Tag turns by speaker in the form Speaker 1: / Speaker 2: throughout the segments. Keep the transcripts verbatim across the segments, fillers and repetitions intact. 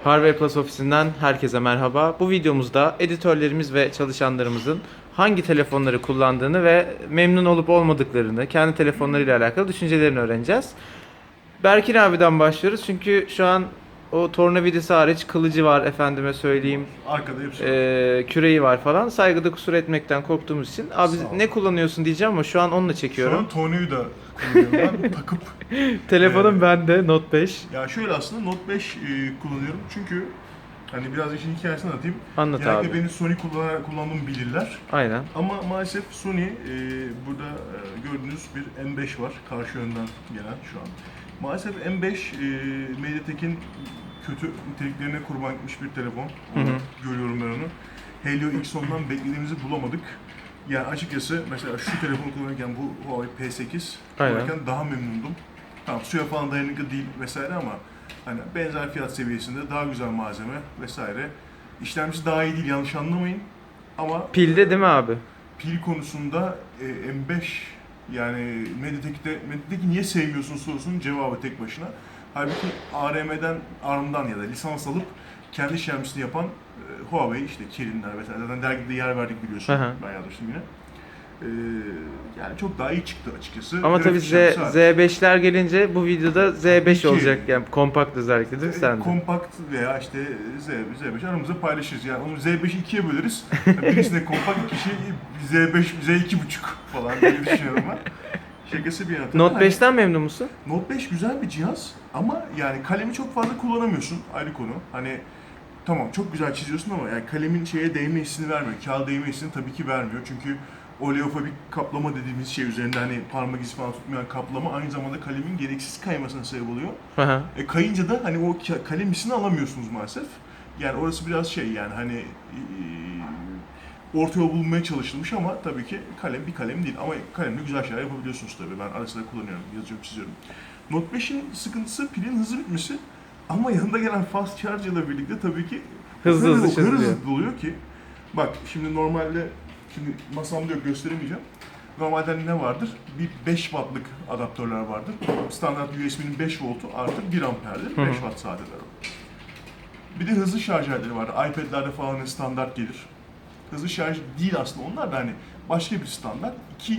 Speaker 1: Harvey Plus ofisinden herkese merhaba. Bu videomuzda editörlerimiz ve çalışanlarımızın hangi telefonları kullandığını ve memnun olup olmadıklarını, kendi telefonlarıyla alakalı düşüncelerini öğreneceğiz. Berkin abiden başlıyoruz çünkü şu an o tornavidası hariç kılıcı var, efendime söyleyeyim.
Speaker 2: Arkada hepsi var.
Speaker 1: Ee, küreği var falan. Saygıda kusur etmekten korktuğumuz için. Abi ne kullanıyorsun diyeceğim ama şu an onunla
Speaker 2: Şu
Speaker 1: çekiyorum.
Speaker 2: an Tony'yu da kullanıyorum ben takıp.
Speaker 1: Telefonum
Speaker 2: Ee,
Speaker 1: bende Note beş.
Speaker 2: Ya şöyle aslında Note beş e, kullanıyorum çünkü hani biraz işin hikayesini anlatayım.
Speaker 1: Anlat
Speaker 2: Genellikle
Speaker 1: abi.
Speaker 2: benim Sony kullan kullandığımı bilirler.
Speaker 1: Aynen.
Speaker 2: Ama maalesef Sony e, burada e, gördüğünüz bir M beş var karşı yönden gelen şu an. Maalesef M beş e, MediaTek'in kötü niteliklerine kurban gitmiş bir telefon. Onu
Speaker 1: Hı hı.
Speaker 2: görüyorum ben onu. Helio X ondan beklediğimizi bulamadık. Yani açıkçası mesela şu telefonu kullanırken bu Huawei P sekiz
Speaker 1: Aynen.
Speaker 2: kullanırken daha memnundum. Tamam suya falan dayanıklı değil vesaire ama hani benzer fiyat seviyesinde daha güzel malzeme vesaire. İşlemcisi daha iyi değil yanlış anlamayın. Ama
Speaker 1: Pilde değil mi abi?
Speaker 2: pil konusunda e, M beş yani MediaTek'te MediaTek'i niye sevmiyorsun sorusunun cevabı tek başına. Halbuki A R M'den, A R M'dan ya da lisans alıp kendi işlemcisini yapan e, Huawei işte Kirinler vesaire zaten dergide yer verdik biliyorsun.
Speaker 1: Hı hı.
Speaker 2: Ben yazmıştım yine. E, yani çok daha iyi çıktı açıkçası.
Speaker 1: Ama
Speaker 2: Grafik
Speaker 1: tabii Z,
Speaker 2: işlemcisi hariç.
Speaker 1: Z beşler gelince bu videoda Z beş
Speaker 2: ki.
Speaker 1: olacak yani kompakt özellikle değil mi
Speaker 2: E,
Speaker 1: sende?
Speaker 2: Kompakt veya işte Z, Z beş aramızda paylaşırız. Yani onu Z beşi ikiye böleriz. Birisine kompakt kişi Z beş, Z iki buçuk falan diye düşünüyorum ben. Şakası bir yana. Tabii
Speaker 1: Note
Speaker 2: hani
Speaker 1: beşten memnun musun?
Speaker 2: Note beş güzel bir cihaz ama yani kalemi çok fazla kullanamıyorsun ayrı konu. Hani tamam çok güzel çiziyorsun ama yani kalemin şeye değme hissini vermiyor. Kağıda değme hissini tabii ki vermiyor. Çünkü oleofobik kaplama dediğimiz şey üzerinde hani parmak izi falan tutmayan kaplama aynı zamanda kalemin gereksiz kaymasına sebep oluyor.
Speaker 1: Hı hı.
Speaker 2: E, kayınca da hani o ka- kalem hissini alamıyorsunuz maalesef. Yani orası biraz şey yani hani e, orta yol bulmaya çalışılmış ama tabii ki kalem bir kalem değil. Ama kalemle güzel şeyler yapabiliyorsunuz tabii. Ben ara sıra kullanıyorum, yazıyorum, çiziyorum. Note beşin sıkıntısı pilin hızlı bitmesi. Ama yanında gelen fast charge ile birlikte tabii ki
Speaker 1: Hızlı
Speaker 2: o kadar-
Speaker 1: hızlı
Speaker 2: o kadar
Speaker 1: çözülüyor.
Speaker 2: hızlı oluyor ki. Bak şimdi normalde, şimdi masamda yok gösteremeyeceğim. Normalde ne vardır? Bir beş wattlık adaptörler vardır. Standart U S B'nin beş voltu artı bir amperdir.
Speaker 1: Hı hı.
Speaker 2: beş watt sadeler o. Bir de hızlı şarj aletleri var. iPad'lerde falan standart gelir. Hızlı şarj değil aslında onlar da hani başka bir standart. iki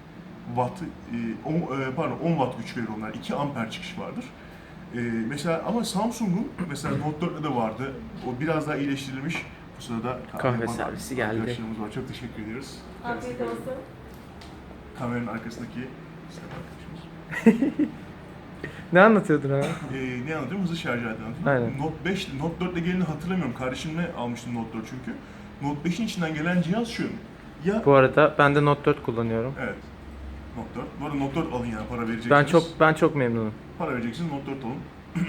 Speaker 2: watt, e, on, e, pardon on watt güç verir onlar. iki amper çıkış vardır. E, mesela ama Samsung'un mesela Note dörtte de vardı. O biraz daha iyileştirilmiş. Bu sırada
Speaker 1: Kahve
Speaker 2: yapan
Speaker 1: servisi geldi.
Speaker 2: arkadaşlarımız var. Çok teşekkür ediyoruz.
Speaker 3: Afiyet olsun.
Speaker 2: Kameranın arkasındaki Selam arkadaşımız.
Speaker 1: Ne anlatıyordun abi?
Speaker 2: Ee, ne anlatıyorum? Hızlı şarj aleti anlatıyorum.
Speaker 1: Aynen.
Speaker 2: Note beş, Note dört ile geleni hatırlamıyorum. Kardeşimle almıştım Note dört çünkü. Note beşin içinden gelen cihaz şu. Ya
Speaker 1: Bu arada ben de Note dört kullanıyorum.
Speaker 2: evet. Note dört. Bu arada Note dört alın yani para vereceksiniz.
Speaker 1: Ben çok ben çok memnunum.
Speaker 2: Para vereceksiniz Note dört alın.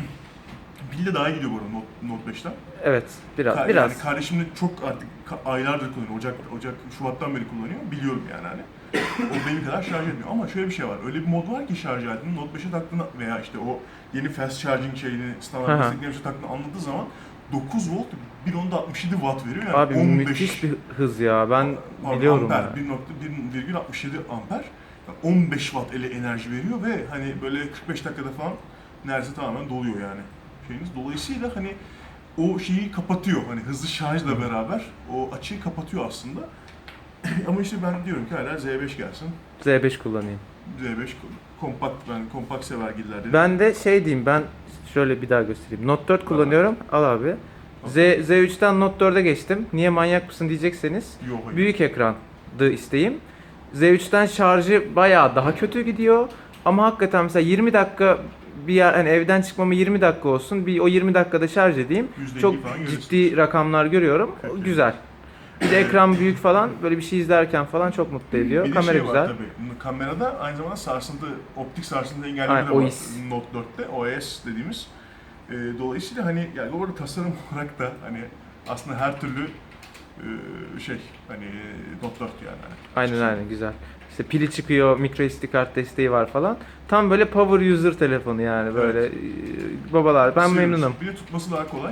Speaker 2: Pil de daha iyi gidiyor bu arada Note, Note beşten.
Speaker 1: Evet, biraz
Speaker 2: Ka-
Speaker 1: biraz.
Speaker 2: Yani kardeşim de çok artık ka- aylardır kullanıyor. Ocak, Ocak, Şubat'tan beri kullanıyor. Biliyorum yani hani. O benim kadar şarj etmiyor. Ama şöyle bir şey var. Öyle bir mod var ki şarj aletinin Note beşe taktığında veya işte o yeni fast charging şeyini,
Speaker 1: Hı
Speaker 2: standart
Speaker 1: hı.
Speaker 2: desteklemişe taktığını anladığı zaman dokuz volt bir onda altmış yedi watt veriyor. Yani
Speaker 1: Abi
Speaker 2: on beş,
Speaker 1: müthiş bir hız ya. Ben
Speaker 2: pardon,
Speaker 1: biliyorum
Speaker 2: amper,
Speaker 1: ya.
Speaker 2: bir nokta bir virgül altmış yedi amper. Yani on beş watt ele enerji veriyor ve hani böyle kırk beş dakikada falan neredeyse tamamen doluyor yani şeyiniz. Dolayısıyla hani o şeyi kapatıyor. Hani hızlı şarjla beraber o açığı kapatıyor aslında. Ama işte ben diyorum ki hala Z beş gelsin.
Speaker 1: Z beş kullanayım.
Speaker 2: Z beş kompakt, ben kompakt severgiller dedim.
Speaker 1: Ben de şey diyeyim, ben şöyle bir daha göstereyim. Note dört kullanıyorum. Al abi. Z, Z üçten Note dörde geçtim. Niye manyak mısın diyecekseniz.
Speaker 2: Yok hayır.
Speaker 1: Büyük ekrandı isteğim. Z üçten şarjı bayağı daha kötü gidiyor. Ama hakikaten mesela yirmi dakika bir yer, hani evden çıkmama yirmi dakika olsun. Bir o yirmi dakikada şarj edeyim.
Speaker 2: yüzde elli
Speaker 1: Çok
Speaker 2: falan görürsün.
Speaker 1: ciddi rakamlar görüyorum.
Speaker 2: Evet.
Speaker 1: Güzel. Bir de ekran büyük falan, böyle bir şey izlerken falan çok mutlu ediyor.
Speaker 2: Bir de
Speaker 1: Kamera
Speaker 2: şey
Speaker 1: güzel.
Speaker 2: var tabii. Kamerada aynı zamanda sarsıntı, optik sarsıntı engelleme
Speaker 1: Aynen,
Speaker 2: de var
Speaker 1: O İS.
Speaker 2: Note dörtte. O S dediğimiz. Ee, dolayısıyla hani yani orada tasarım olarak da hani aslında her türlü e, şey hani Note dört yani. Hani.
Speaker 1: Aynen aynen güzel. İşte pili çıkıyor, micro S D kart desteği var falan. Tam böyle power user telefonu yani böyle
Speaker 2: Evet.
Speaker 1: e, babalar. Ben
Speaker 2: Seviyoruz.
Speaker 1: memnunum.
Speaker 2: Bir de tutması daha kolay.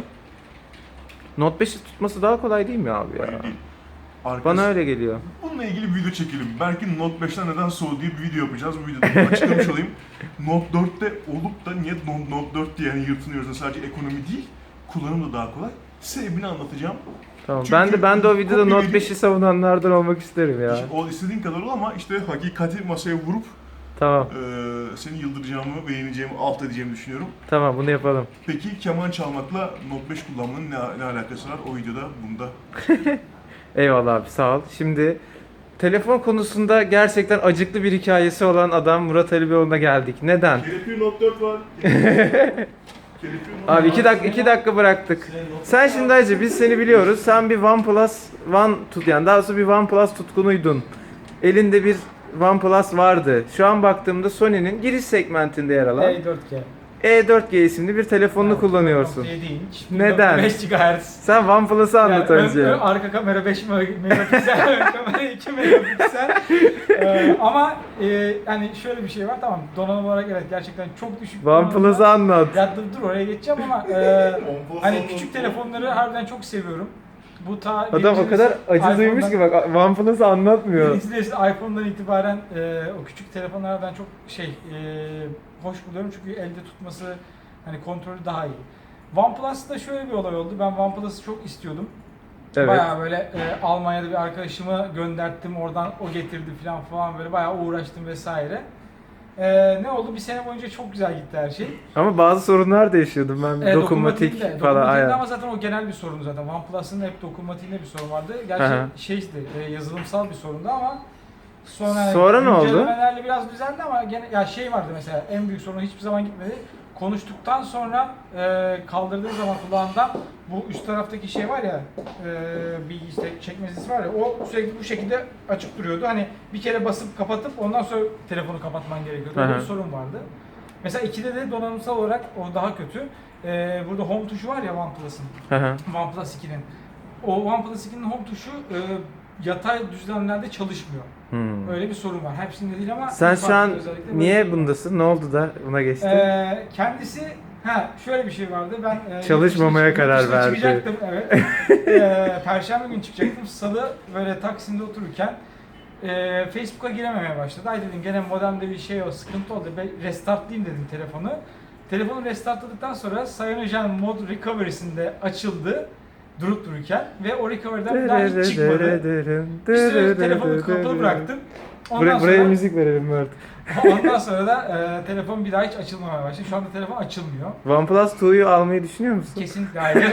Speaker 1: Note beşi tutması daha kolay değil mi abi ya?
Speaker 2: Hayır değil. Arkası-
Speaker 1: Bana öyle geliyor.
Speaker 2: Bununla ilgili bir video çekelim. Belki Note beşten neden soğudu diye bir video yapacağız. Bu videoda açıklamış olayım. Note dörtte olup da niye Note Note dört diye yani yırtınıyoruz da sadece ekonomi değil, kullanım da daha kolay. Sebebini anlatacağım.
Speaker 1: Tamam.
Speaker 2: Çünkü
Speaker 1: Ben de ben de o videoda
Speaker 2: kopya
Speaker 1: Note
Speaker 2: verip-
Speaker 1: beşi savunanlardan olmak isterim ya.
Speaker 2: İşte o istediğin kadar ol ama işte hakikati masaya vurup
Speaker 1: Tamam.
Speaker 2: e, seni yıldıracağımı, beğeneceğimi, alt edeceğimi düşünüyorum.
Speaker 1: Tamam bunu yapalım.
Speaker 2: Peki keman çalmakla Note beş kullanmanın ne, ne alakası var? O videoda bunda.
Speaker 1: Eyvallah abi sağ ol. Şimdi telefon konusunda gerçekten acıklı bir hikayesi olan adam Murat Ali Beyoğlu'na geldik. Neden?
Speaker 2: Kelepir Note dört var. Kelepir Note
Speaker 1: Abi iki dakika iki dakika bıraktık. Sen şimdi hacı biz seni biliyoruz. Sen bir OnePlus One tut yani daha doğrusu bir OnePlus tutkunuydun. Elinde bir OnePlus vardı. Şu an baktığımda Sony'nin giriş segmentinde yer alan
Speaker 3: E dört G.
Speaker 1: E dört G isimli bir telefonunu kullanıyorsun.
Speaker 3: yedi inç.
Speaker 1: Neden?
Speaker 3: beş gigahertz.
Speaker 1: Sen OnePlus'ı anlat
Speaker 3: Yani ön-
Speaker 1: önce.
Speaker 3: ön- arka kamera beş megapiksel, ön kamera iki megapiksel. Ee, ama e, yani şöyle bir şey var, tamam, donanım olarak evet gerçekten çok düşük.
Speaker 1: OnePlus'ı
Speaker 3: donanımda.
Speaker 1: anlat.
Speaker 3: Ya dur, dur oraya geçeceğim ama e, hani küçük telefonları harbiden çok seviyorum. Bu ta
Speaker 1: Adam o kadar acı duymuş ki bak OnePlus'ı anlatmıyor.
Speaker 3: Birincisi de işte iPhone'dan itibaren e, o küçük telefonlardan çok şey e, hoş buluyorum çünkü elde tutması hani kontrolü daha iyi. OnePlus'ta şöyle bir olay oldu. Ben OnePlus'ı çok istiyordum.
Speaker 1: Evet.
Speaker 3: Bayağı böyle e, Almanya'da bir arkadaşımı gönderttim, oradan o getirdi falan falan böyle bayağı uğraştım vesaire. E, ne oldu? Bir sene boyunca çok güzel gitti her şey.
Speaker 1: Ama bazı sorunlar da yaşıyordum ben.
Speaker 3: E,
Speaker 1: dokunmatik
Speaker 3: dokunmatiğinde-
Speaker 1: falan.
Speaker 3: dokunmatiğinde
Speaker 1: Aynen.
Speaker 3: ama zaten o genel bir sorun zaten. OnePlus'ın hep dokunmatiğinde bir sorun vardı. Gerçi
Speaker 1: Hı hı.
Speaker 3: şeydi, e, yazılımsal bir sorundu ama sonra,
Speaker 1: Sonra ne oldu?
Speaker 3: güncellemelerle biraz düzeldi ama gene ya şey vardı mesela, en büyük sorunu hiçbir zaman gitmedi. Konuştuktan sonra e, kaldırdığı zaman kulağından bu üst taraftaki şey var ya, e, bir işte çekmecesi var ya, o sürekli bu şekilde açık duruyordu. Hani bir kere basıp kapatıp ondan sonra telefonu kapatman gerekiyordu. Öyle
Speaker 1: Hı
Speaker 3: bir
Speaker 1: hı.
Speaker 3: sorun vardı. Mesela ikide de donanımsal olarak o daha kötü. E, burada home tuşu var ya OnePlus'ın.
Speaker 1: Hı hı.
Speaker 3: OnePlus ikinin. O OnePlus ikinin home tuşu e, yatay düzlemlerde çalışmıyor.
Speaker 1: Hmm.
Speaker 3: Öyle bir sorun var. Hepsinde değil ama
Speaker 1: Sen
Speaker 3: bir
Speaker 1: şu
Speaker 3: farklı
Speaker 1: an
Speaker 3: özellikle böyle
Speaker 1: niye
Speaker 3: bir-
Speaker 1: bundasın? Ne oldu da buna geçtin?
Speaker 3: Ee, kendisi ha şöyle bir şey vardı. Ben e,
Speaker 1: Çalışmamaya
Speaker 3: yurt dışına-
Speaker 1: karar
Speaker 3: yurt dışına
Speaker 1: verdi.
Speaker 3: Çıkacaktım evet. ee, Perşembe günü çıkacaktım. Salı böyle Taksim'de otururken e, Facebook'a girememeye başladı. Ay dedim gene modemde bir şey o sıkıntı oldu. Ben restartlayayım dedim telefonu. Telefonu restartladıktan sonra Cyanogen Mod Recovery'sinde açıldı durup dururken ve o recovery'den bir daha hiç çıkmadı. Bir süre telefonu kapalı bıraktım. Ondan
Speaker 1: Buraya, buraya
Speaker 3: sonra,
Speaker 1: müzik verelim Mert.
Speaker 3: ondan sonra da e, telefon bir daha hiç açılmamaya başladı. Şu anda telefon açılmıyor.
Speaker 1: OnePlus iki'yu almayı düşünüyor musun?
Speaker 3: Kesinlikle hayır.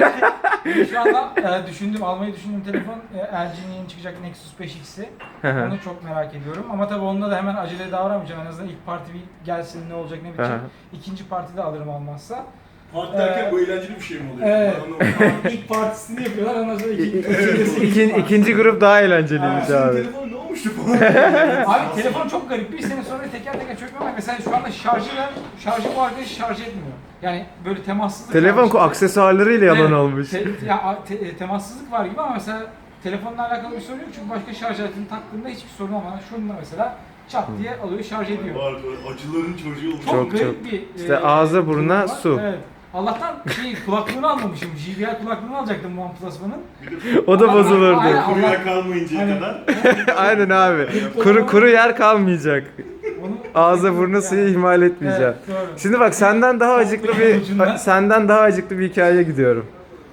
Speaker 3: Şu anda e, düşündüm, almayı düşündüğüm telefon e, L G'nin yeni çıkacak Nexus beş X'i.
Speaker 1: Hı hı.
Speaker 3: Onu çok merak ediyorum. Ama tabii onunla da hemen acele davranmayacağım. En azından ilk parti bir gelsin, ne olacak ne
Speaker 1: Hı
Speaker 3: bitecek.
Speaker 1: hı.
Speaker 3: İkinci partide alırım almazsa.
Speaker 2: Parti derken
Speaker 3: Ee,
Speaker 2: bu eğlenceli bir şey mi oluyor?
Speaker 3: Evet.
Speaker 2: Ben anlamadım.
Speaker 3: ilk partisini yapıyorlar, ondan sonra
Speaker 1: İ-
Speaker 3: ikinci,
Speaker 1: i-
Speaker 3: ikinci,
Speaker 1: ikinci, ikinci grup daha eğlenceliymiş
Speaker 2: Senin
Speaker 1: abi.
Speaker 2: telefon ne olmuştu falan?
Speaker 3: Abi telefon çok garip. Bir sene sonra teker teker çökmüyor ama mesela şu anda şarjıyla, şarjı bu arkadaş şarj etmiyor. Yani böyle temassızlık
Speaker 1: Telefon
Speaker 3: var.
Speaker 1: ko- aksesuarlarıyla yalan
Speaker 3: Evet,
Speaker 1: olmuş.
Speaker 3: te- ya, a- te- e, temassızlık var gibi ama mesela telefonla alakalı bir sorun yok çünkü başka şarj aletini taktığında hiçbir sorun olmadan şununla mesela çat diye alıyor, şarj ediyor.
Speaker 2: Var, var. Acıların çocuğu olmuş.
Speaker 3: Çok,
Speaker 1: Çok,
Speaker 3: garip
Speaker 1: çok.
Speaker 3: bir
Speaker 1: İşte
Speaker 3: e,
Speaker 1: ağza, buruna,
Speaker 3: durum var.
Speaker 1: su.
Speaker 3: Evet. Allah'tan şey kulaklığını almamışım. J B L kulaklığını alacaktım OnePlus One'ın.
Speaker 2: Bir de
Speaker 1: O da
Speaker 3: Ama-
Speaker 1: bozulurdu.
Speaker 3: Aynen.
Speaker 2: kuruya kalmayıncaya
Speaker 3: Hani-
Speaker 2: kadar.
Speaker 1: Aynen abi. Kuru kuru yer kalmayacak.
Speaker 3: Onu
Speaker 1: Ağza buruna suyu
Speaker 3: Yani-
Speaker 1: ihmal etmeyeceğim.
Speaker 3: Evet, doğru.
Speaker 1: Şimdi bak senden daha acıklı bir
Speaker 3: Ucundan.
Speaker 1: senden daha acıklı bir hikayeye gidiyorum.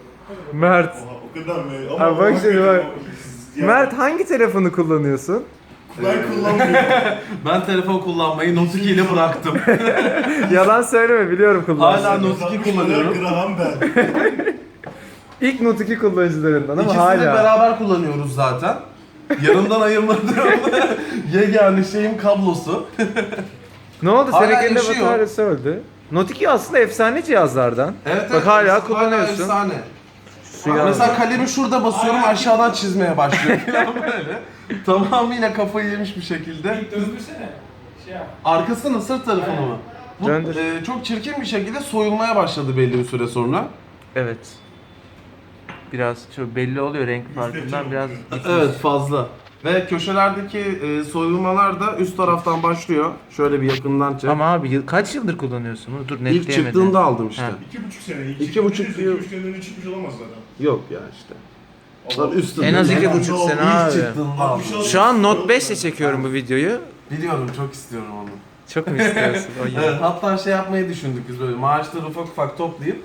Speaker 1: Mert.
Speaker 2: Oha, o kadar mı? Ama
Speaker 1: Abi bak şimdi bak.
Speaker 2: Ya,
Speaker 1: Mert hangi telefonu kullanıyorsun?
Speaker 2: Ben kullanmıyorum.
Speaker 4: Ben telefon kullanmayı Note iki ile bıraktım.
Speaker 1: Yalan söyleme biliyorum
Speaker 4: Hala
Speaker 1: kullandığını.
Speaker 4: Note iki kullanıyorum.
Speaker 2: Graham ben.
Speaker 1: İlk Note iki kullanıcılarından ama
Speaker 4: İkisini
Speaker 1: hala.
Speaker 4: beraber kullanıyoruz zaten. Yanımdan ayırmadığım yegane şeyim kablosu.
Speaker 1: Ne oldu?
Speaker 4: Hala
Speaker 1: Seninkinde
Speaker 4: yaşıyor.
Speaker 1: bataryası öldü. Note iki aslında efsane cihazlardan.
Speaker 4: Evet,
Speaker 1: Bak hala
Speaker 4: evet,
Speaker 1: kullanıyorsun.
Speaker 4: efsane.
Speaker 1: Suyu
Speaker 4: Mesela kalemi şurada basıyorum aşağıdan çizmeye başlıyor falan böyle. Tamamıyla kafayı yemiş bir şekilde.
Speaker 3: Döndürsene. Şey yap.
Speaker 4: Arkasını sırt tarafını mı? Bu
Speaker 1: Döndür.
Speaker 4: e, çok çirkin bir şekilde soyulmaya başladı belli bir süre sonra.
Speaker 1: Evet. Biraz şu belli oluyor renk farkından biraz gitmiş.
Speaker 4: Evet fazla. Ve köşelerdeki e, soyulmalar da üst taraftan başlıyor. Şöyle bir yakından çek.
Speaker 1: Ama abi yıl- kaç yıldır kullanıyorsun bunu? Dur
Speaker 4: İlk
Speaker 1: netleyemedim.
Speaker 4: çıktığında aldım işte.
Speaker 1: Ha.
Speaker 2: İki buçuk sene. İlk
Speaker 4: İki
Speaker 2: çıktı
Speaker 4: buçuk
Speaker 2: bilirsin,
Speaker 4: yıl.
Speaker 2: İki buçuk seneden önce çıkmış olamaz zaten.
Speaker 4: Yok ya işte.
Speaker 2: Allah-
Speaker 4: Lan üstünde.
Speaker 1: En az iki
Speaker 4: Yani
Speaker 1: buçuk
Speaker 4: o
Speaker 1: sene
Speaker 4: ilk
Speaker 1: abi.
Speaker 4: çıktığında aldım.
Speaker 1: Şu an Note beş ile çekiyorum bu videoyu.
Speaker 4: Biliyorum çok istiyorum onu.
Speaker 1: Çok mu istiyorsun? O
Speaker 4: Evet, hatta şey yapmayı düşündük biz böyle maaşları ufak ufak toplayıp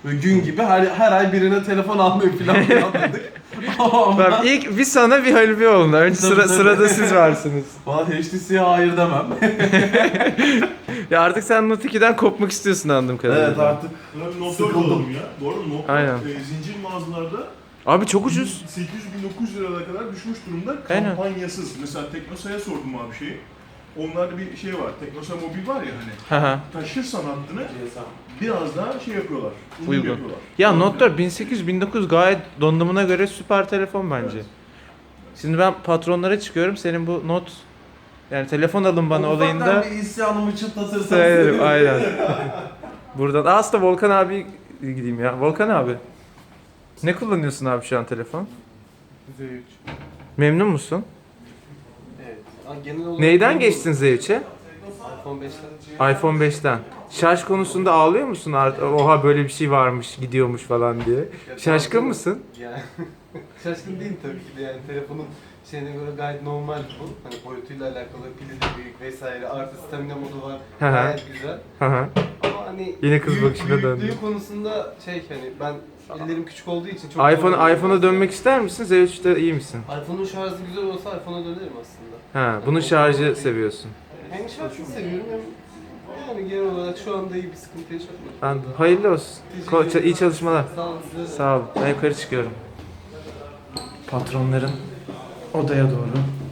Speaker 4: Böyle gün gibi her, her ay birine telefon almayı falan planladık. Ama
Speaker 1: Bak ilk bir sana bir Halil Beyoğlu'na. Önce
Speaker 4: Tabii,
Speaker 1: sıra,
Speaker 4: tabii.
Speaker 1: sırada siz varsınız.
Speaker 4: Valla H T C'ye hayır demem.
Speaker 1: Ya artık sen Note ikiden kopmak istiyorsun anladığım kadarıyla.
Speaker 4: Evet artık.
Speaker 2: Buna bir Note dört
Speaker 4: Sıkıldım.
Speaker 2: alalım ya. Bu arada Note
Speaker 1: Aynen.
Speaker 2: dört, e, zincir mağazalarda
Speaker 1: Abi çok ucuz.
Speaker 2: sekiz yüz bin dokuz yüz liralara kadar düşmüş durumda.
Speaker 1: Aynen.
Speaker 2: Kampanyasız. Mesela Teknosa'ya sordum abi şeyi. Onlarda bir şey var. Teknosa Mobil var ya hani.
Speaker 1: Haha.
Speaker 2: Taşırsan hattını biraz daha şey yapıyorlar. Uygun
Speaker 1: Uygun.
Speaker 2: yapıyorlar.
Speaker 1: Ya Note dört bin sekiz yüz bin dokuz yüz gayet donanımına göre süper telefon bence.
Speaker 2: Evet.
Speaker 1: Şimdi ben patronlara çıkıyorum. Senin bu Note yani telefon alın bana
Speaker 4: Ufaktan
Speaker 1: olayında
Speaker 4: bir isyanımı çıtlatırsan
Speaker 1: söylerim
Speaker 4: sevinirim.
Speaker 1: aynen. Buradan Aa, aslında Volkan abi gideyim ya. Volkan abi. Ne kullanıyorsun abi şu an telefon?
Speaker 5: Z üç.
Speaker 1: Memnun musun?
Speaker 5: Evet. Ha, genel olarak
Speaker 1: Neyden
Speaker 5: bu-
Speaker 1: geçtin Z üç'e?
Speaker 5: iPhone beşten.
Speaker 1: iPhone beşten. Şarj konusunda ağlıyor musun? Art- Oha böyle bir şey varmış, gidiyormuş falan diye. Şaşkın mısın?
Speaker 5: Yani şaşkın değilim tabii ki de yani telefonun şeyine göre gayet normal bu. Hani boyutuyla alakalı pili de büyük vesaire artı stamina modu var.
Speaker 1: Hı hı.
Speaker 5: Gayet güzel.
Speaker 1: Hı hı.
Speaker 5: Ama hani
Speaker 1: Yine kız
Speaker 5: büyük-
Speaker 1: bakışına döndü.
Speaker 5: büyüklüğü konusunda şey hani ben ellerim küçük olduğu için çok zor
Speaker 1: iPhone
Speaker 5: oluyor.
Speaker 1: iPhone'a dönmek ister misin? Z üç'te iyi misin?
Speaker 5: iPhone'un şarjı güzel olsa iPhone'a dönerim aslında.
Speaker 1: Ha, bunun şarjı seviyorsun.
Speaker 5: Hem şarjını seviyorum hem yani genel olarak şu anda iyi bir sıkıntı yaşatmıyorum.
Speaker 1: Anladım. Hayırlı olsun. Ko- iyi çalışmalar.
Speaker 5: Sağ olun size de.
Speaker 1: Sağ ol. Ben yukarı çıkıyorum. Patronların odaya doğru.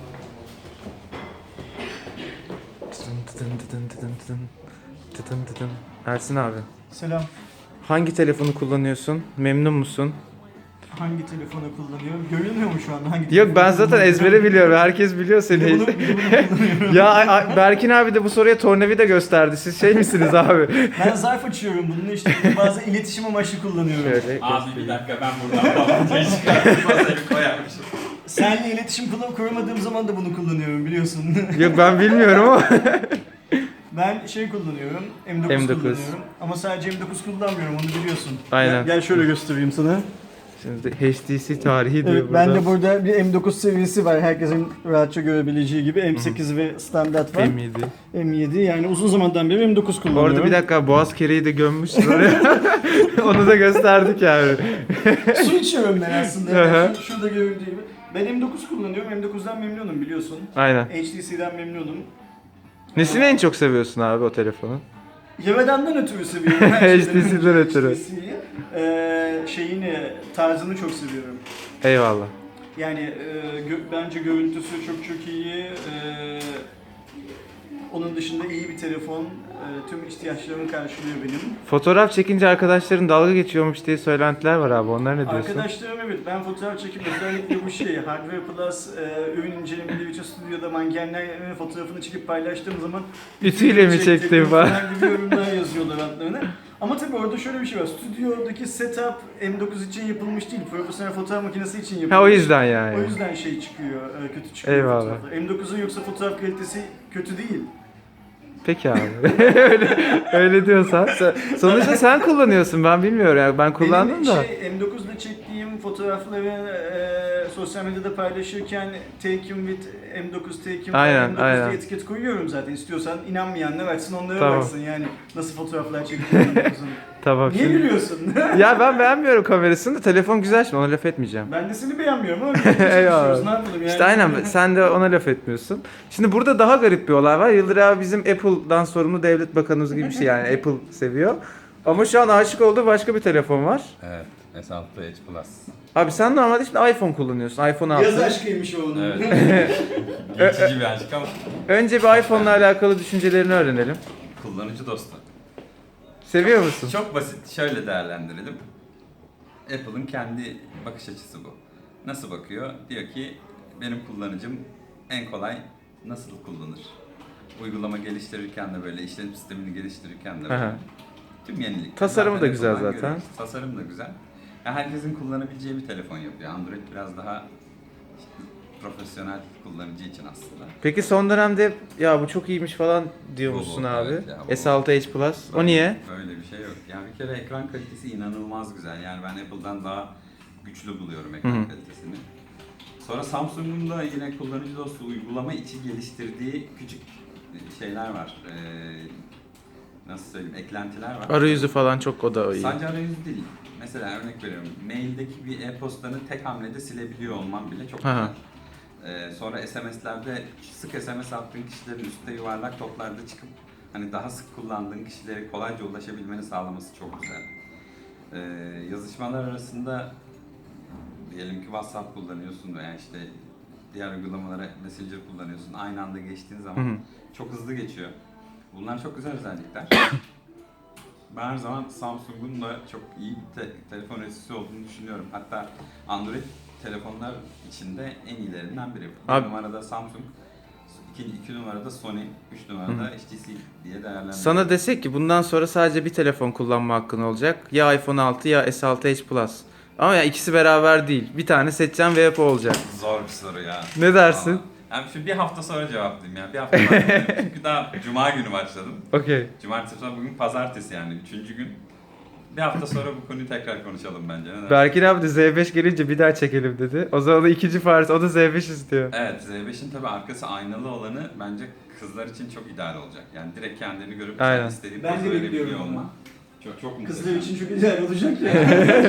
Speaker 1: Tıdın tıdın tıdın tıdın tıdın. Tıdın tıdın. Ersin abi.
Speaker 6: Selam.
Speaker 1: Hangi telefonu kullanıyorsun? Memnun musun?
Speaker 6: Hangi telefonu kullanıyorum? Görünmüyor mu şu anda hangi
Speaker 1: Yok ben
Speaker 6: telefonu
Speaker 1: zaten
Speaker 6: kullanıyorum?
Speaker 1: ezbere biliyorum. Herkes biliyor
Speaker 6: Bir de
Speaker 1: seni.
Speaker 6: bunu, bir de bunu kullanıyorum.
Speaker 1: Ya ay- ay- Berkin abi de bu soruya tornavida gösterdi. Siz şey misiniz abi?
Speaker 6: Ben zarf açıyorum bunun işte bazı iletişim amaçlı kullanıyorum.
Speaker 1: Şöyle
Speaker 7: Abi bir dakika ben buradan bağlantıyı çıkartıp masayı koyarmışım.
Speaker 6: Seninle iletişim kur- kuramadığım zaman da bunu kullanıyorum biliyorsun.
Speaker 1: Yok ben bilmiyorum ama.
Speaker 6: Ben şey kullanıyorum, M dokuz,
Speaker 1: M dokuz.
Speaker 6: kullanıyorum. Ama sadece M dokuz kullanmıyorum onu biliyorsun.
Speaker 1: Aynen.
Speaker 6: Gel, gel şöyle göstereyim sana.
Speaker 1: Şimdi H T C tarihi diyor
Speaker 6: Evet,
Speaker 1: burada.
Speaker 6: ben de burada bir M dokuz seviyesi var. Herkesin rahatça görebileceği gibi M sekiz ve standart var.
Speaker 1: M yedi.
Speaker 6: M yedi yani uzun zamandan beri M dokuz
Speaker 1: Bu
Speaker 6: kullanıyorum.
Speaker 1: arada bir dakika boğaz kereyi de gömmüşsün oraya. Onu da gösterdik yani.
Speaker 6: Su içiyorum ben aslında.
Speaker 1: Hı hı.
Speaker 6: Yani şu- şurada göründüğü gibi. Ben M dokuz kullanıyorum. M dokuzdan memnunum biliyorsun.
Speaker 1: Aynen.
Speaker 6: H T C'den memnunum.
Speaker 1: Nesini en çok seviyorsun abi o telefonu?
Speaker 6: Yemedenden ötürü seviyorum. Her
Speaker 1: H
Speaker 6: şeyden
Speaker 1: T C'den
Speaker 6: önce
Speaker 1: ötürü.
Speaker 6: H T C'yi. Ee, şeyini, tarzını çok seviyorum.
Speaker 1: Eyvallah.
Speaker 6: Yani e, gö- bence görüntüsü çok çok iyi. Ee, onun dışında iyi bir telefon. Ee, tüm ihtiyaçlarımı karşılıyor benim.
Speaker 1: Fotoğraf çekince arkadaşların dalga geçiyormuş diye söylentiler var abi. Onlar ne diyorsun?
Speaker 6: Arkadaşlarım evet ben fotoğraf çekip özellikle bu şey Hardware Plus e, ürün incelemeleri Visual Studio'da mankenlerin fotoğrafını çekip paylaştığım zaman
Speaker 1: Ütüyle mi çektin falan?
Speaker 6: gibi yorumlar yazıyorlar altlarına. Ama tabii orada şöyle bir şey var. Stüdyodaki setup M dokuz için yapılmış değil. Profesyonel fotoğraf makinesi için yapılmış.
Speaker 1: Ha o yüzden yani.
Speaker 6: O yüzden şey çıkıyor, e, kötü çıkıyor
Speaker 1: Eyvallah.
Speaker 6: fotoğraflar. M dokuzun yoksa fotoğraf kalitesi kötü değil.
Speaker 1: Peki abi. öyle, öyle diyorsan. Sen- sonuçta sen kullanıyorsun ben bilmiyorum yani ben kullandım
Speaker 6: Benim
Speaker 1: da.
Speaker 6: şey, M dokuzda çektiğim fotoğrafları e, sosyal medyada paylaşırken Taken with M dokuz, Taken
Speaker 1: Aynen,
Speaker 6: M dokuz
Speaker 1: aynen.
Speaker 6: diye etiket koyuyorum zaten. İstiyorsan inanmayanlar açsın onlara
Speaker 1: Tamam.
Speaker 6: baksın yani nasıl fotoğraflar çektiğim M dokuzun.
Speaker 1: Tamam
Speaker 6: Niye
Speaker 1: şimdi.
Speaker 6: gülüyorsun?
Speaker 1: Ya ben beğenmiyorum kamerasını da telefon güzel şimdi ona laf etmeyeceğim.
Speaker 6: Ben de seni beğenmiyorum ama
Speaker 1: Eyvallah.
Speaker 6: çalışıyoruz ne yapalım yani.
Speaker 1: İşte aynen sen de ona laf etmiyorsun. Şimdi burada daha garip bir olay var. Yıldır abi bizim Apple'dan sorumlu devlet bakanımız gibi bir şey yani Apple seviyor. Ama şu an aşık olduğu başka bir telefon var.
Speaker 7: Evet, S altı Edge Plus.
Speaker 1: Abi sen normalde şimdi iPhone kullanıyorsun. iPhone altı.
Speaker 6: Yaz aşkıymış o onun.
Speaker 7: Evet. Geçici bir aşk ama
Speaker 1: Önce bir iPhone'la alakalı düşüncelerini öğrenelim.
Speaker 7: kullanıcı dostu.
Speaker 1: Seviyor musun?
Speaker 7: Çok basit, şöyle değerlendirelim. Apple'ın kendi bakış açısı bu. Nasıl bakıyor? Diyor ki benim kullanıcım en kolay nasıl kullanır? Uygulama geliştirirken de böyle, işletim sistemini geliştirirken de böyle.
Speaker 1: Aha.
Speaker 7: Tüm yenilikler.
Speaker 1: Tasarımı da güzel
Speaker 7: Apple'dan
Speaker 1: zaten.
Speaker 7: görüyoruz. Tasarım da güzel. Yani herkesin kullanabileceği bir telefon yapıyor. Android biraz daha işte profesyonel kullanıcı için aslında.
Speaker 1: Peki son dönemde ya bu çok iyiymiş falan diyormuşsun
Speaker 7: Bu, bu,
Speaker 1: abi.
Speaker 7: evet ya, bu.
Speaker 1: S altı Edge Plus. O niye?
Speaker 7: Böyle bir şey yok. Yani bir kere ekran kalitesi inanılmaz güzel. Yani ben Apple'dan daha güçlü buluyorum ekran
Speaker 1: Hı hı.
Speaker 7: kalitesini. Sonra Samsung'un da yine kullanıcı dostu uygulama içi geliştirdiği küçük şeyler var. Ee, nasıl söyleyeyim, eklentiler var.
Speaker 1: Arayüzü falan çok o da iyi.
Speaker 7: Sadece arayüz değil. Mesela örnek veriyorum, maildeki bir e-postanı tek hamlede silebiliyor olman bile çok
Speaker 1: Aha.
Speaker 7: güzel. Ee, sonra S M S'lerde sık S M S attığın kişilerin üstte yuvarlak toplarda çıkıp hani daha sık kullandığın kişilere kolayca ulaşabilmeni sağlaması çok güzel. Ee, yazışmalar arasında diyelim ki WhatsApp kullanıyorsun veya işte diğer uygulamalara Messenger kullanıyorsun. Aynı anda geçtiğin zaman
Speaker 1: Hı hı.
Speaker 7: çok hızlı geçiyor. Bunlar çok güzel özellikler. Ben her zaman Samsung'un da çok iyi bir te- telefon üreticisi olduğunu düşünüyorum. Hatta Android telefonlar içinde en iyilerinden biri. Bir
Speaker 1: Abi-
Speaker 7: numarada Samsung, iki, iki numarada Sony, üç numarada H T C diye değerlendiriyor.
Speaker 1: Sana desek ki bundan sonra sadece bir telefon kullanma hakkın olacak. Ya iPhone altı ya S altı Edge Plus. Ama ya ikisi beraber değil. Bir tane seçeceğim ve hep o olacak.
Speaker 7: Zor bir soru ya.
Speaker 1: Ne dersin?
Speaker 7: Ama- Yani şu bir hafta sonra cevaplayayım ya. Bir hafta sonra. Çünkü daha Cuma günü başladım.
Speaker 1: Okey.
Speaker 7: Cumartesi sonra bugün pazartesi yani üçüncü gün. Bir hafta sonra bu konuyu tekrar konuşalım bence. Ne dersin?
Speaker 1: Berkin abi de Z beş gelince bir daha çekelim dedi. O zaman da ikinci Faris, o da Z beş istiyor.
Speaker 7: Evet, Z beşin tabii arkası aynalı olanı bence kızlar için çok ideal olacak. Yani direkt kendini görüp
Speaker 1: Aynen.
Speaker 7: istediğin
Speaker 6: Ben de
Speaker 7: pozu verebiliyor
Speaker 6: bekliyorum onu.
Speaker 7: olman. Çok çok muhteşem.
Speaker 6: Kızlar için çok güzel olacak ya.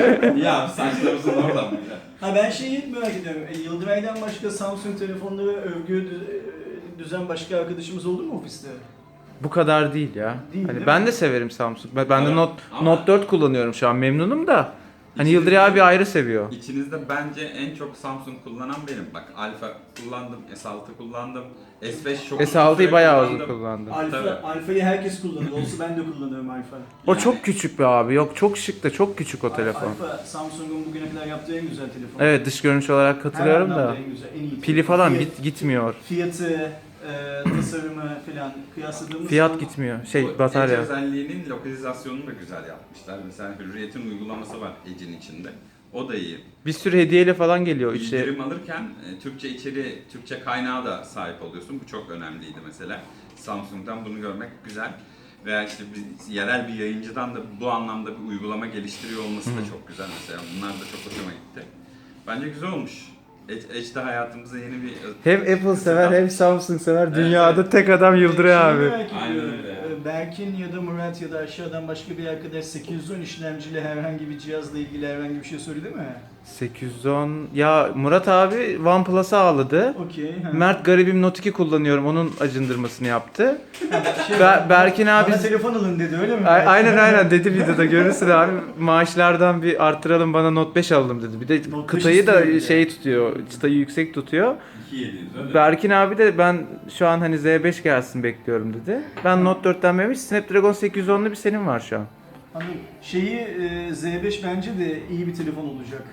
Speaker 7: Ya saçlarımızın orada mı ya?
Speaker 6: Ha ben şeyi merak ediyorum. E, Yıldıray'dan başka Samsung telefonları övgü dü- düzen başka arkadaşımız oldu mu ofiste?
Speaker 1: Bu kadar değil ya.
Speaker 6: Değil,
Speaker 1: hani
Speaker 6: değil
Speaker 1: ben
Speaker 6: mi?
Speaker 1: de severim Samsung. Ben, ben de
Speaker 7: Evet.
Speaker 1: Note,
Speaker 7: Ama-
Speaker 1: Note dört kullanıyorum şu an, memnunum da. Hani
Speaker 7: İçinde-
Speaker 1: Yıldıray abi ayrı seviyor.
Speaker 7: İçinizde bence en çok Samsung kullanan benim. Bak Alpha kullandım, S altı kullandım, S beş çok
Speaker 1: S altıyı
Speaker 7: uzun
Speaker 1: bayağı
Speaker 7: süre
Speaker 1: uzun kullandım.
Speaker 6: Alfa,
Speaker 7: Tabii.
Speaker 6: Alfa'yı herkes kullanıyor. Olsa ben de kullanıyorum Alfa.
Speaker 1: O
Speaker 7: Yani-
Speaker 1: çok küçük be abi. Yok çok şık da çok küçük o telefon.
Speaker 6: Alfa Samsung'un bugüne kadar yaptığı en güzel telefon.
Speaker 1: Evet, dış görünüş olarak katılıyorum
Speaker 6: Her
Speaker 1: da.
Speaker 6: anlamda en güzel, en iyi.
Speaker 1: Pili falan
Speaker 6: Fiyat-
Speaker 1: git gitmiyor.
Speaker 6: Fiyatı, e, tasarımı falan kıyasladığımız
Speaker 1: Fiyat
Speaker 6: zaman
Speaker 1: gitmiyor.
Speaker 7: Bu
Speaker 1: Şey
Speaker 7: Edge
Speaker 1: batarya.
Speaker 7: özelliğinin lokalizasyonunu da güzel yapmışlar. Mesela Hürriyet'in uygulaması var Edge'in içinde. O da iyi.
Speaker 1: Bir sürü hediyeyle falan geliyor işte.
Speaker 7: İndirim alırken e, Türkçe içeri, Türkçe kaynağı da sahip oluyorsun. Bu çok önemliydi mesela. Samsung'dan bunu görmek güzel. Veya işte bir, yerel bir yayıncıdan da bu anlamda bir uygulama geliştiriyor olması da çok güzel mesela. Bunlar da çok hoşuma gitti. Bence güzel olmuş. Edge, Edge de hayatımıza yeni bir...
Speaker 1: Hem Apple sever hem Samsung sever.
Speaker 7: Evet,
Speaker 1: Dünyada
Speaker 7: evet.
Speaker 1: tek adam Yıldıray
Speaker 6: Şeyi
Speaker 1: abi.
Speaker 6: merak
Speaker 7: Aynen
Speaker 6: ediyorum.
Speaker 7: öyle.
Speaker 6: E, Berkin ya da Murat ya da aşağıdan başka bir arkadaş sekiz yüz on işlemciyle herhangi bir cihazla ilgili herhangi bir şey söyledi mi?
Speaker 1: sekiz yüz on. Ya Murat abi OnePlus'a ağladı.
Speaker 6: Okey. ha.
Speaker 1: Mert garibim Note iki kullanıyorum. Onun acındırmasını yaptı.
Speaker 6: Şey,
Speaker 1: Ber- Berkin abi
Speaker 6: bana telefon alın dedi öyle mi?
Speaker 1: A- aynen aynen dedi videoda, görürsün abi. Maaşlardan bir arttıralım, bana Note beş alalım dedi. Bir de
Speaker 6: Note beş
Speaker 1: kıtayı da
Speaker 6: istiyor bir de.
Speaker 1: şey tutuyor, çıtayı yüksek tutuyor.
Speaker 7: iki bin yedi yüz öyle.
Speaker 1: Berkin abi de ben şu an hani Z beş gelsin bekliyorum dedi. Ben Note dörtten memiş, Snapdragon sekiz yüz onlu bir senin var şu an.
Speaker 6: Anladım. Şeyi e, Z beş bence de iyi bir telefon olacak.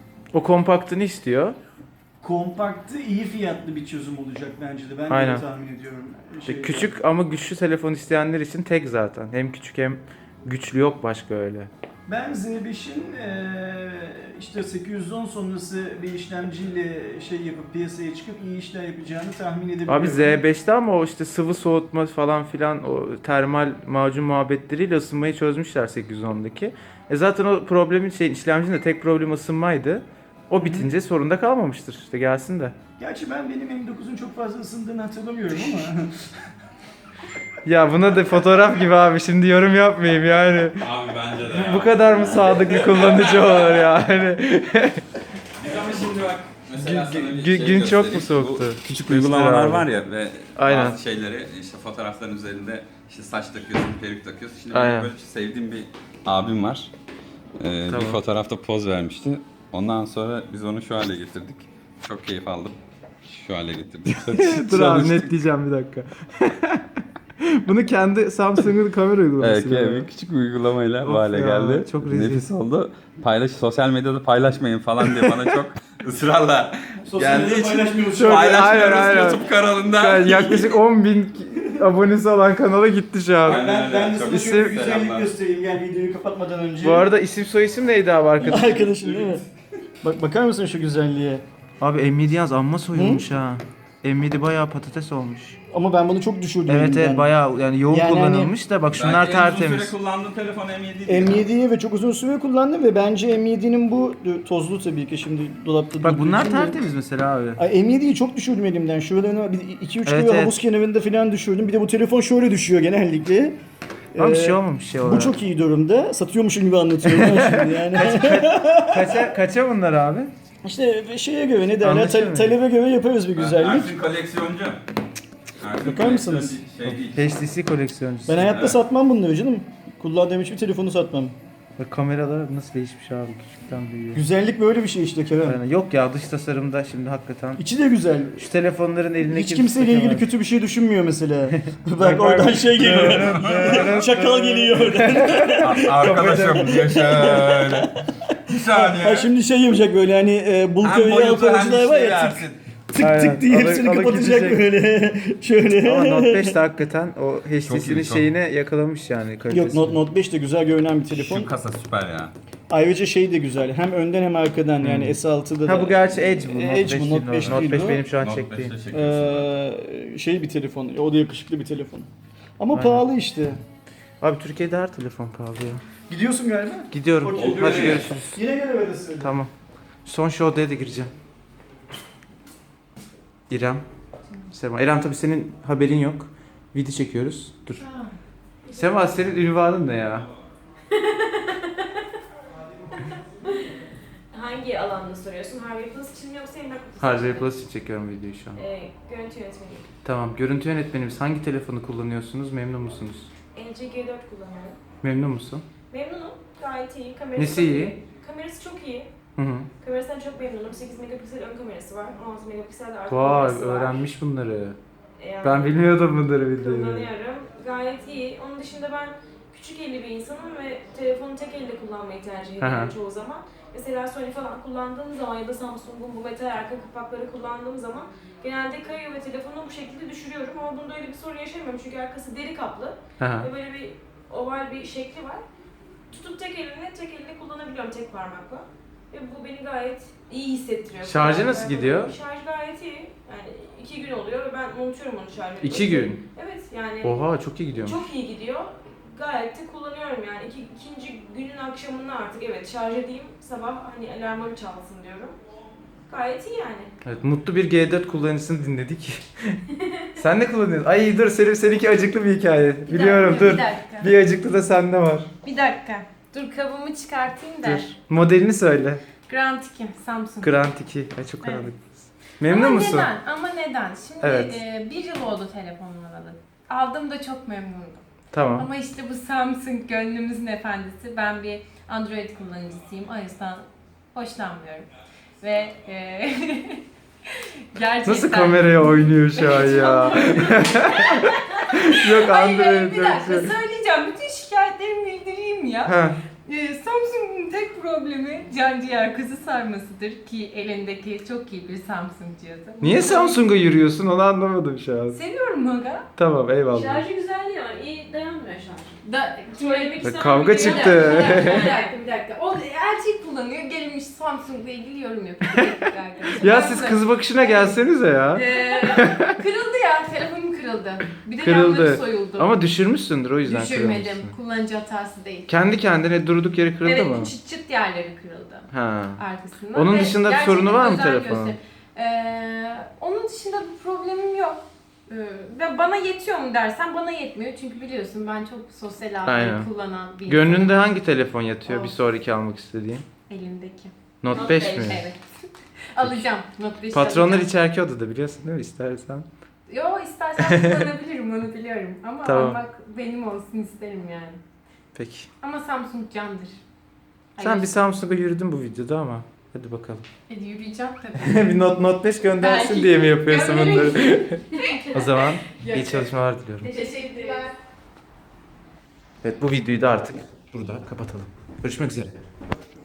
Speaker 1: O kompaktını istiyor.
Speaker 6: Kompaktı, iyi fiyatlı bir çözüm olacak bence de. Ben de
Speaker 1: Aynen.
Speaker 6: öyle tahmin ediyorum.
Speaker 1: İşte
Speaker 6: Şey-
Speaker 1: küçük ama güçlü telefon isteyenler için tek zaten. Hem küçük hem güçlü, yok başka öyle.
Speaker 6: Ben Z beşin eee, işte sekiz yüz on sonrası bir işlemciyle şey yapıp piyasaya çıkıp iyi işler yapacağını tahmin edebiliyorum.
Speaker 1: Abi Z beşte ama o işte sıvı soğutma falan filan, o termal macun muhabbetleriyle ısınmayı çözmüşler sekiz yüz ondaki. E zaten o problemin şey, işlemcinin de tek problemi ısınmaydı. O bitince sorunda kalmamıştır. İşte gelsin de.
Speaker 6: Gerçi ben benim M dokuzun çok fazla ısındığını hatırlamıyorum ama.
Speaker 1: Ya buna da fotoğraf gibi abi, şimdi yorum yapmayayım yani.
Speaker 7: Abi bence de ya.
Speaker 1: Bu kadar mı sadık bir kullanıcı olur yani?
Speaker 7: Biz ama şimdi bak mesela
Speaker 1: Gün-
Speaker 7: sana bir
Speaker 1: gün-
Speaker 7: şey
Speaker 1: gün çok mu
Speaker 7: göstereyim.
Speaker 1: soğuktu?
Speaker 7: Bu küçük
Speaker 1: Göster
Speaker 7: uygulamalar
Speaker 1: abi.
Speaker 7: var ya ve
Speaker 1: Aynen.
Speaker 7: bazı şeyleri işte fotoğrafların üzerinde işte saç takıyorsun, peruk takıyorsun. Şimdi
Speaker 1: Aynen.
Speaker 7: benim böyle sevdiğim bir abim var. Ee,
Speaker 1: Tamam.
Speaker 7: Bir fotoğrafta poz vermişti. Ondan sonra biz onu şu hale getirdik. Çok keyif aldım. Şu hale getirdik.
Speaker 1: Dur abi netleyeceğim bir dakika. Bunu kendi Samsung'un kamera uygulaması.
Speaker 7: Evet,
Speaker 1: böyle.
Speaker 7: bir küçük bir uygulamayla
Speaker 1: Of
Speaker 7: bu hale
Speaker 1: ya,
Speaker 7: geldi.
Speaker 1: çok rezil.
Speaker 7: Nefis oldu. Paylaş, sosyal medyada paylaşmayın falan diye bana çok ısrarla
Speaker 6: Sosyal
Speaker 7: geldiği
Speaker 6: medyada
Speaker 7: için
Speaker 6: paylaşmıyoruz.
Speaker 1: Çok-
Speaker 7: paylaşmıyoruz
Speaker 1: aynen, aynen.
Speaker 7: YouTube kanalında.
Speaker 1: Yani yaklaşık on bin abonesi olan kanala gitti şu an.
Speaker 6: Ben, ben, ben de
Speaker 7: Çok
Speaker 6: sana
Speaker 1: isim-
Speaker 6: şöyle bir güzellik
Speaker 7: Selamlar.
Speaker 6: göstereyim. Gel videoyu kapatmadan önce.
Speaker 1: Bu arada isim soy isim neydi abi arkadaş?
Speaker 6: Arkadaşım değil mi? Bak bakar mısın şu güzelliğe?
Speaker 1: Abi M yedi yaz amma soyulmuş ha. M yedi bayağı patates olmuş.
Speaker 6: Ama ben bunu çok düşürdüm.
Speaker 1: Evet
Speaker 6: elimden.
Speaker 1: evet bayağı yani yoğun
Speaker 6: Yani
Speaker 1: kullanılmış da bak şunlar
Speaker 7: Belki en uzun
Speaker 1: tertemiz.
Speaker 7: süre kullandığım telefon M yedi değil.
Speaker 6: M yediyi ve çok uzun süre kullandım ve bence M yedinin bu tozlu tabii ki şimdi dolapta.
Speaker 1: Bak bunlar
Speaker 6: durduğu için de-
Speaker 1: tertemiz mesela abi.
Speaker 6: Ay M yediyi çok düşürdüm elimden. Şuralarına iki üç
Speaker 1: Evet,
Speaker 6: kere
Speaker 1: evet.
Speaker 6: havuz kenarında falan düşürdüm. Bir de bu telefon şöyle düşüyor genellikle.
Speaker 1: Ama bir
Speaker 8: Ee,
Speaker 1: şey olmamış şey
Speaker 8: Bu
Speaker 1: olarak.
Speaker 8: çok iyi durumda. Satıyormuşum gibi anlatıyorum ben şimdi yani.
Speaker 1: Kaça, kaça bunlar abi?
Speaker 8: İşte şeye göre ne derler,
Speaker 1: Anlaşılmıyor.
Speaker 8: ta- talebe göre yaparız bir güzellik.
Speaker 7: Ersin koleksiyoncu. Ersin
Speaker 8: Bakar mısınız?
Speaker 7: koleksiyoncu Şey değil.
Speaker 1: H T C koleksiyoncusu.
Speaker 8: Ben hayatta satmam bunları canım. Kullandığım hiçbir telefonu satmam.
Speaker 1: Bak kameralar nasıl değişmiş abi, küçükten büyüyor.
Speaker 8: Güzellik böyle bir şey işte Kerem.
Speaker 1: Yani yok ya, dış tasarımda şimdi hakikaten.
Speaker 8: İçi de güzel.
Speaker 1: Şu telefonların eline
Speaker 8: Hiç kimseyle ilgili kötü bir şey düşünmüyor mesela. Bak oradan şey geliyor. Çakal geliyor oradan.
Speaker 7: Arkadaşım diyor şöyle. Bir saniye.
Speaker 8: Ha şimdi şey yapacak böyle hani e, Bulgari alkoholcüler var ya tık tık
Speaker 1: Aynen.
Speaker 8: tık diye
Speaker 1: Alıp-
Speaker 8: hepsini
Speaker 1: alıp
Speaker 8: kapatacak
Speaker 1: gidecek.
Speaker 8: böyle. Şöyle.
Speaker 1: Ama Note beş de hakikaten o H
Speaker 7: Çok
Speaker 1: T C'nin
Speaker 7: iyi, çok.
Speaker 1: şeyine yakalamış yani kalitesini.
Speaker 8: Yok Note, Note beş de güzel görünen bir telefon.
Speaker 7: Şu kasa süper ya.
Speaker 8: Ayrıca şey de güzel. Hem önden hem arkadan yani S altıda da.
Speaker 1: Ha bu gerçi Edge bu. Note
Speaker 8: Edge
Speaker 1: beş
Speaker 8: bu,
Speaker 1: değil,
Speaker 8: Note beş
Speaker 1: Note
Speaker 8: değil
Speaker 1: beş
Speaker 8: bu.
Speaker 1: benim şu an
Speaker 7: Note
Speaker 1: çektiğim.
Speaker 7: beşte çekiyorsun.
Speaker 8: Ee, şey bir telefon. O da yakışıklı bir telefon. Ama
Speaker 1: Aynen.
Speaker 8: pahalı işte.
Speaker 1: Abi Türkiye'de her telefon pahalı ya.
Speaker 8: Gidiyorsun galiba.
Speaker 1: Gidiyorum.
Speaker 8: Okey,
Speaker 1: Hadi
Speaker 8: görüşürüz.
Speaker 1: görüşürüz.
Speaker 8: Yine gelemedesin.
Speaker 1: Tamam. Son şu odaya da gireceğim. İrem. Sema. İrem tabii senin haberin yok. Video çekiyoruz. Dur. Sema senin ünvanın ne ya?
Speaker 9: Hangi alanda soruyorsun? Harvey Plus için mi yoksa Emlak Plus?
Speaker 1: Harvey Plus için çekiyorum videoyu şu an.
Speaker 9: Ee, görüntü yönetmeni.
Speaker 1: Tamam. Görüntü yönetmenimiz hangi telefonu kullanıyorsunuz? Memnun musunuz?
Speaker 9: L G G dört kullanıyorum.
Speaker 1: Memnun musun?
Speaker 9: Memnunum. Gayet iyi. Kamerası
Speaker 1: Nesi
Speaker 9: çok
Speaker 1: iyi?
Speaker 9: Kamerası çok iyi.
Speaker 1: Hı hı.
Speaker 9: Kamerasından çok memnunum. sekiz megapiksel ön kamerası var. on altı megapiksel de arka
Speaker 1: Vay,
Speaker 9: kamerası var.
Speaker 1: öğrenmiş bunları.
Speaker 9: Yani
Speaker 1: Ben bilmiyordum bunları videoyu.
Speaker 9: kullanıyorum. Gayet iyi. Onun dışında ben küçük elli bir insanım ve telefonu tek elle kullanmayı tercih ediyorum
Speaker 1: Hı hı.
Speaker 9: çoğu zaman. Mesela Sony falan kullandığım zaman ya da Samsung'un bu metal arka kapakları kullandığım zaman genelde kayıyor ve telefonu bu şekilde düşürüyorum ama bunda öyle bir sorun yaşamıyorum çünkü arkası deri kaplı
Speaker 1: Hı hı.
Speaker 9: ve böyle bir oval bir şekli var. Tutup tek elimle, tek elle kullanabiliyorum tek parmakla. Ve bu beni gayet iyi hissettiriyor.
Speaker 1: Şarjı nasıl
Speaker 9: Yani
Speaker 1: gidiyor?
Speaker 9: Şarj gayet iyi. Yani iki gün oluyor ve ben unutuyorum onu şarj etmeyi.
Speaker 1: İki gün.
Speaker 9: Evet yani.
Speaker 1: Oha çok iyi gidiyormuş.
Speaker 9: Çok iyi gidiyor. Gayet de kullanıyorum yani. İki, ikinci günün akşamında artık evet şarj edeyim sabah hani alarmım çalsın diyorum. Gayet iyi yani.
Speaker 1: Evet, mutlu bir G dört kullanıcısını dinledik. Sen ne kullanıyorsun? Ay dur senin seninki acıklı bir hikaye.
Speaker 10: Bir
Speaker 1: Biliyorum
Speaker 10: dakika,
Speaker 1: dur.
Speaker 10: Bir dakika.
Speaker 1: Bir acıklı da sende var.
Speaker 10: Bir dakika. Dur kabımı çıkartayım da.
Speaker 1: Dur. Modelini söyle.
Speaker 10: Grand iki Samsung.
Speaker 1: Grand iki. Ay çok
Speaker 10: Evet.
Speaker 1: karanlık. Memnun
Speaker 10: Ama
Speaker 1: musun?
Speaker 10: neden? Ama neden? Şimdi
Speaker 1: Evet.
Speaker 10: e, bir yıl oldu telefonumu alalı. Aldığımda çok memnundum.
Speaker 1: Tamam.
Speaker 10: Ama işte bu Samsung gönlümüzün efendisi. Ben bir Android kullanıcısıyım. O yüzden hoşlanmıyorum. Ve e, gerçekten...
Speaker 1: Nasıl kameraya oynuyor şu an ya? Yok
Speaker 10: Hayır,
Speaker 1: Android
Speaker 10: hayır, bir
Speaker 1: yok.
Speaker 10: dakika
Speaker 1: şey.
Speaker 10: söyleyeceğim. Bütün şikayetlerimi bildireyim ya.
Speaker 1: Ha.
Speaker 10: Ee, Samsung'un tek problemi can ciğer kızı sarmasıdır ki elindeki çok iyi bir Samsung cihazı.
Speaker 1: Niye Samsung'a yürüyorsun onu anlamadım şu an.
Speaker 10: Seviyorum Maga.
Speaker 1: Tamam eyvallah.
Speaker 9: Şarjı güzel ya. İyi dayanmıyor şarj.
Speaker 10: Da,
Speaker 9: Söylemek
Speaker 1: Bak,
Speaker 9: istemem
Speaker 1: kavga
Speaker 9: bir şey
Speaker 1: çıktı.
Speaker 9: yok.
Speaker 10: bir dakika, bir dakika, bir dakika. O erkek kullanıyor, gelmiş Samsung'la ilgili yorum yapıyor. Bir dakika arkadaşlar.
Speaker 1: Ya
Speaker 10: Ben
Speaker 1: siz
Speaker 10: de-
Speaker 1: kız bakışına gelsenize ya.
Speaker 10: Ee, kırıldı ya, telefonum kırıldı. Bir de
Speaker 1: Kırıldı.
Speaker 10: yanları soyuldu.
Speaker 1: Ama düşürmüşsündür o yüzden
Speaker 10: Düşürmedim,
Speaker 1: kırılmışsın.
Speaker 10: kullanıcı hatası değil.
Speaker 1: Kendi kendine durduk yere kırıldı
Speaker 10: evet,
Speaker 1: mı?
Speaker 10: çıt çıt yerleri kırıldı.
Speaker 1: Ha.
Speaker 10: Arkasından.
Speaker 1: Onun
Speaker 10: Ve
Speaker 1: dışında bir
Speaker 10: gerçekten
Speaker 1: sorunu var mı
Speaker 10: özen
Speaker 1: telefonun?
Speaker 10: göster- Ee, onun dışında bir problemim yok. Ee, ve bana yetiyor mu dersen bana yetmiyor. Çünkü biliyorsun ben çok sosyal
Speaker 1: Aynen.
Speaker 10: ağları kullanan bir
Speaker 1: Gönlünde
Speaker 10: insanım.
Speaker 1: hangi telefon yatıyor
Speaker 10: O.
Speaker 1: bir sonraki almak istediğin?
Speaker 10: Elimdeki.
Speaker 1: Note
Speaker 9: Note
Speaker 1: beş
Speaker 9: beş,
Speaker 1: mi?
Speaker 10: Evet. Alacağım. Not beş
Speaker 1: Patronlar
Speaker 10: alacağım.
Speaker 1: içerki odada biliyorsun değil mi istersen?
Speaker 10: Yo istersen kullanabilirim onu biliyorum. Ama
Speaker 1: Tamam.
Speaker 10: almak benim olsun isterim yani.
Speaker 1: Peki.
Speaker 10: Ama Samsung candır.
Speaker 1: Sen
Speaker 10: Hayır.
Speaker 1: bir Samsung'a yürüdün bu videoda ama. Hadi bakalım.
Speaker 10: Hadi yürüyeceğim tabii.
Speaker 1: bir Note, Note beş göndersin
Speaker 10: Belki
Speaker 1: diye mi yapıyorsun
Speaker 10: gönderirim.
Speaker 1: bunları? O zaman iyi
Speaker 10: Yok.
Speaker 1: çalışmalar diliyorum.
Speaker 10: Teşekkürler.
Speaker 1: Evet bu videoyu da artık burada kapatalım. Görüşmek üzere.